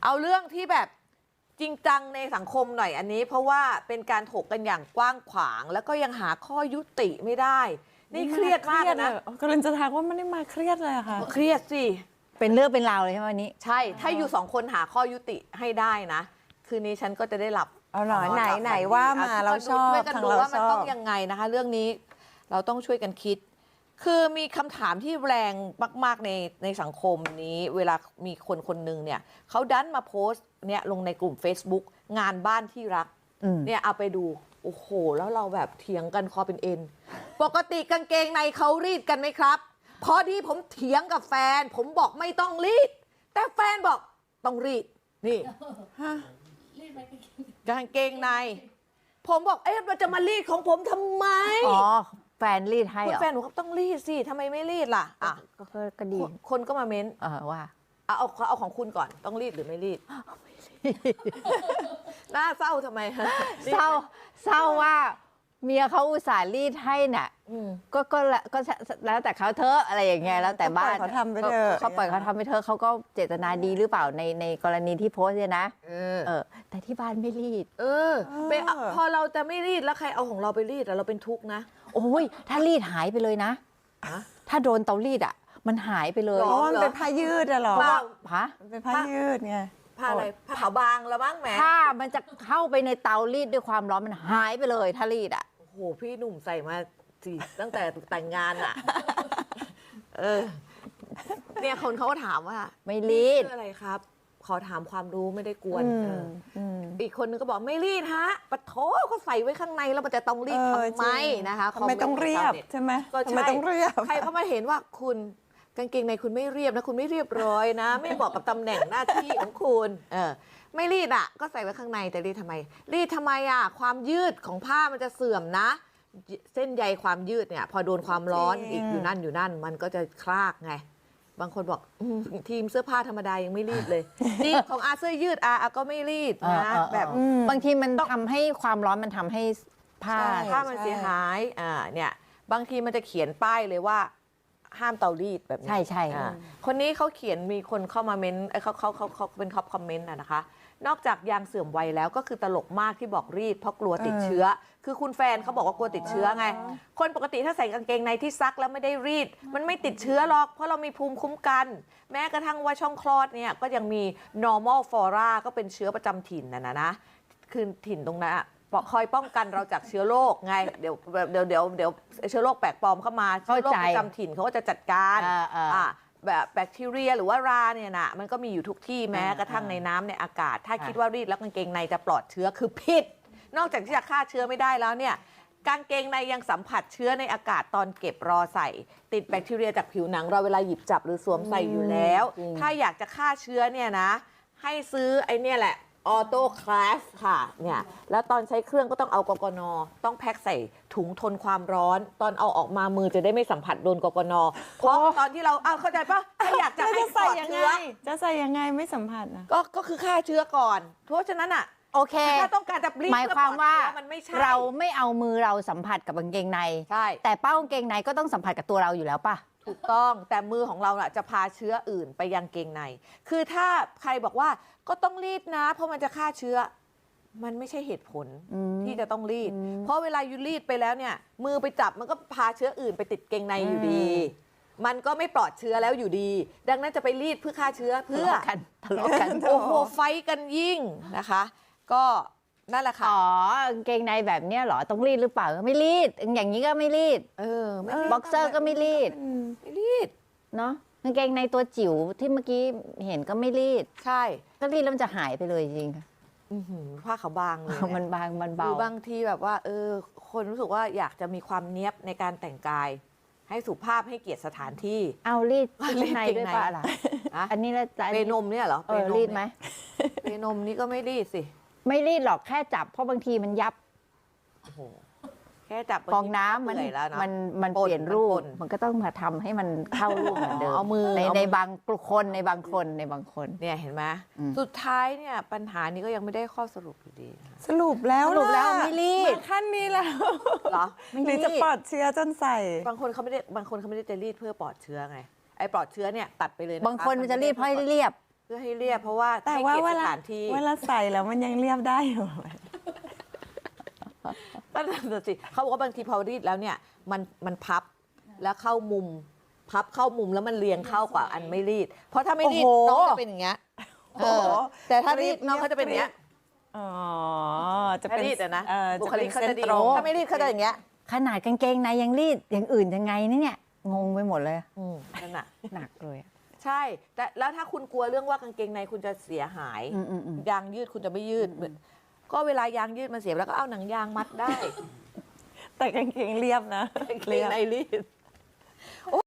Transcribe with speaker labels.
Speaker 1: เอาเรื่องที่แบบจริงจังในสังคมหน่อยอันนี้ เพราะว่าเป็นการถกกันอย่างกว้างขวาง แล้วก็ยังหาข้อยุติไม่ได้นี่เครียดมากนะ
Speaker 2: กำลังจะทักว่าไม่ได้มาเครียดเลยค่ะ
Speaker 1: เครียดสิ
Speaker 3: เป็นเรื่องเป็นราวเลยใช่ไหมวันนี้
Speaker 1: ใช่ถ้าอยู่สองคนหาข้อยุติให้ได้นะคืนนี้ฉันก็จะได้หลับ
Speaker 2: เอาหรอไหนว่ามาเราชอบ
Speaker 1: ช่วยกันดูว่ามันต้องยังไงนะคะเรื่องนี้เราต้องช่วยกันคิดคือมีคำถามที่แรงมากๆในสังคมนี้เวลามีคนคนหนึ่งเนี่ยเขาดันมาโพสต์เนี่ยลงในกลุ่ม Facebook งานบ้านที่รักเนี่ยเอาไปดูโอ้โหแล้วเราแบบเถียงกันคอเป็นเอ็นปกติกางเกงในเขารีดกันไหมครับพอดีผมเถียงกับแฟนผมบอกไม่ต้องรีดแต่แฟนบอกต้องรีดนี่กางเกงในผมบอกมันจะมารีดของผมทำไม
Speaker 3: อ๋อแฟนรีดให้เหรอ
Speaker 1: แฟนหนูก็ต้องรีดสิทำไมไม่รีดล่ะ
Speaker 3: ก็ดี
Speaker 1: คนก็มาเม้น
Speaker 3: ว่า
Speaker 1: เอาของคุณก่อนต้องรีดหรือไม่รีดน่าเศร้าทำไม
Speaker 3: เศร้าว่าเมียเขาอุตส่าห์รีดให้น่ะก็แล้วแต่เขาเถอะอะไรอย่างเงี้ยแล้วแต่บ้าน
Speaker 2: เขาทำไปเถอะ
Speaker 3: เขาปล่อยเขาทำไปเถอะเขาก็เจตนาดีหรือเปล่าในกรณีที่โพสต์เนี่ยนะแต่ที่บ้านไม่รีด
Speaker 1: พอเราจะไม่รีดแล้วใครเอาของเราไปรีดเราเป็นทุกข์นะ
Speaker 3: โอ้ยถ้ารีดหายไปเลยนะถ้าโดนเตารีดอ่ะมันหายไปเลย
Speaker 2: เพราะมันเป็นผ้ายืดอะหรอ
Speaker 3: มัน
Speaker 2: เป็นผ้ายืดไง
Speaker 1: ผ้าอะไรผ้าขาวบางแล้วบ้างแหม
Speaker 3: ผ้ามันจะเข้าไปในเตารีดด้วยความร้อนมันหายไปเลยถ้ารีดอ่ะ
Speaker 1: โอ้โหพี่หนุ่มใส่มาสิตั้งแต่แต่งงานอ่ะเนี่ยคนเขาก็ถามว่า
Speaker 3: ไม่รีด
Speaker 1: อะไรครับขอถามความรู้ไม่ได้กวนอีกคนนึงก็บอกไม่รีดฮะปะโถเขาใส่ไว้ข้างในแล้วมันจะต้องรีดทำไมนะคะ
Speaker 2: ทำไมต้องเรียบใช่ไหมทำไมต้องเรียบ
Speaker 1: ใครเขามาเห็นว่าคุณกางเกงในคุณไม่เรียบนะคุณไม่เรียบร้อยนะไม่บอกกับตำแหน่งหน้าที่ของคุณไม่รีดอ่ะก็ใส่ไว้ข้างในแต่รีดทำไมความยืดของผ้ามันจะเสื่อมนะเส้นใยความยืดเนี่ยพอโดนความร้อนอีกอยู่นั่นมันก็จะคลากไงบางคนบอกทีมเสื้อผ้าธรรมดายังไม่รีดเลยนี่ของเสื้อยืดก็ไม่รีดนะแบบ
Speaker 3: บางทีมันทำให้ความร้อนมันทำให้ผ้า
Speaker 1: มันเสียหายเนี่ยบางทีมันจะเขียนป้ายเลยว่าห้ามเตารีดแบบนี้
Speaker 3: ใช่
Speaker 1: คนนี้เขาเขียนมีคนเข้ามาเม้นเขาเป็นท็อปคอมเมนต์นะคะนอกจากยางเสื่อมวัยแล้วก็คือตลกมากที่บอกรีดเพราะกลัวติดเชื้อคือคุณแฟนเขาบอกว่ากลัวติดเชื้อไงคนปกติถ้าใส่กางเกงในที่ซักแล้วไม่ได้รีดมันไม่ติดเชื้อหรอกเพราะเรามีภูมิคุ้มกันแม้กระทั่งว่าช่องคลอดเนี่ยก็ยังมี normal flora ก็เป็นเชื้อประจำถิ่นนะคือถิ่นตรงนั้นคอยป้องกันเราจากเชื้อโรคไงเดี๋ยวเชื้อโรคแปลกปลอมเข้ามาเชื้อโรคประจำถิ่นเขาก็จะจัดการแบบแบคทีเรียหรือว่าราเนี่ยนะมันก็มีอยู่ทุกที่แม้กระทั่งในน้ำในอากาศถ้าคิดว่ารีดแล้วกางเกงในจะปลอดเชื้อคือผิดนอกจากที่จะฆ่าเชื้อไม่ได้แล้วเนี่ยกางเกงในยังสัมผัสเชื้อในอากาศตอนเก็บรอใส่ติดแบคทีเรียจากผิวหนังเราเวลาหยิบจับหรือสวมใส่อยู่แล้วถ้าอยากจะฆ่าเชื้อเนี่ยนะให้ซื้อไอ้เนี่ยแหละออโต้คลาสค่ะเนี่ยแล้วตอนใช้เครื่องก็ต้องเอากกน.ต้องแพ็คใส่ถุงทนความร้อนตอนเอาออกมามือจะได้ไม่สัมผัสโดนกกน.เพราะตอนที่เราเข้าใจปะถ้าอยากจะให้ปลอดเชื้อ
Speaker 2: จะใส่ยังไงไม่สัมผัสนะ
Speaker 1: ก็คือฆ่าเชื้อก่อนเพราะฉะนั้นอ่ะ
Speaker 3: โอเค
Speaker 1: ถ้าต้องการจะรีด
Speaker 3: หมายความว่าเราไม่เอามือเราสัมผัสกับกางเกงใน
Speaker 1: ใช่
Speaker 3: แต่เป้ากางเกงในก็ต้องสัมผัสกับตัวเราอยู่แล้วป่ะ
Speaker 1: ถูกต้องแต่มือของเราจะพาเชื้ออื่นไปยังเกงในคือถ้าใครบอกว่าก็ต้องรีดนะเพราะมันจะฆ่าเชื้อมันไม่ใช่เหตุผลที่จะต้องรีดเพราะเวลายูรีดไปแล้วเนี่ยมือไปจับมันก็พาเชื้ออื่นไปติดเกงในอยู่ดีมันก็ไม่ปลอดเชื้อแล้วอยู่ดีดังนั้นจะไปรีดเพื่อฆ่าเชื้อเพื่อ
Speaker 3: ทะเลาะกัน
Speaker 1: โอ้โหไฟกันยิ่งนะคะก็นั่นแหละค่ะ
Speaker 3: กางเกงในแบบนี้เหรอต้องรีดหรือเปล่าไม่รีดอย่างนี้ก็ไม่รีดบ็อกเซอร์ก็ไม่รีดเนาะกางเกงในตัวจิ๋วที่เมื่อกี้เห็นก็ไม่รีด
Speaker 1: ใช่
Speaker 3: ก็รีดแล้วมันจะหายไปเลยจริง
Speaker 1: ผ้าขาวบางเลย
Speaker 3: มันบางมันเบา
Speaker 1: บางทีแบบว่าคนรู้สึกว่าอยากจะมีความเนี้ยบในการแต่งกายให้สุภาพให้เกียรติสถานที่
Speaker 3: เอารีดในด้วยป่ะล่ะอันนี้แล้ว
Speaker 1: เปนมเนี่ยเหรอ
Speaker 3: รีดไหม
Speaker 1: เปนมนี่ก็ไม่รีดสิ
Speaker 3: ไม่รีดหรอกแค่จับเพราะบางทีมันยับ
Speaker 1: แค่จับ
Speaker 3: ฟองน้ำมันเปลี่ยนรูปมันก็ต้องมาทำให้มันเข้ารูปเหมือนเดิม
Speaker 1: เอามือ
Speaker 3: ในบางคนในบางคน
Speaker 1: เนี่ยเห็นไหมสุดท้ายเนี่ยปัญหานี้ก็ยังไม่ได้ข้อสรุปอยู่ดี
Speaker 2: สรุปแล้ว
Speaker 3: ไม่รีด
Speaker 2: ขั้นนี้แล้ว
Speaker 1: เหรอ
Speaker 2: หรือจะปลอดเชื้อจนใส่
Speaker 1: บางคนเขาไม่ได้จะรีดเพื่อปลอดเชื้อไงไอ้ปลอดเชื้อเนี่ยตัดไปเลย
Speaker 3: บางคนมันจะรีดเพราะเรียบ
Speaker 1: พื่อให้เรียบเพราะว่า
Speaker 2: แต่
Speaker 1: ให้
Speaker 2: ว่า
Speaker 1: เกียร
Speaker 2: เว
Speaker 1: ติส
Speaker 2: ลา
Speaker 1: ถานที่
Speaker 2: เวลาใส่แล้วมันยังเรียบได้อยู่
Speaker 1: ก็นั่นน่ะสิเขาบอกว่าบางทีพอรีดแล้วเนี่ยมันพับแล้วเข้ามุม พับเข้ามุมแล้วมันเรียงเข้ากว่าอันไม่รีด เพราะถ้าไม่รีด
Speaker 2: โอ้โห
Speaker 1: น้องจะเป็นอย่างเงี้ยเออแต่ถ้ารีดน้องเขาจะเป็นอย่างเงี้ย
Speaker 2: อ๋อ จะ
Speaker 1: ถ้า
Speaker 2: เป็น
Speaker 1: รีดอะนะ
Speaker 2: จะ
Speaker 1: บุค
Speaker 2: เป็น
Speaker 1: ลิกเขา
Speaker 2: เส้น
Speaker 1: จะดี
Speaker 2: ตรง
Speaker 1: ถ้าไม่รีดเขาจะอย่างเงี้ย
Speaker 3: ขนาดกางเกงในยังรีดอย่างอื่นยังไงเนี่ยงงไปหมดเลย
Speaker 1: นั่นน่ะ
Speaker 3: หนักเลยอะ
Speaker 1: ใช่แต่แล้วถ้าคุณกลัวเรื่องว่ากางเกงในคุณจะเสียหาย ยางยืดคุณจะไม่ยืด ก็เวลายางยืดมันเสียแล้วก็เอาหนังยางมัดได้
Speaker 2: แต่กางเกงเรียบนะ
Speaker 1: กางเกงในรีด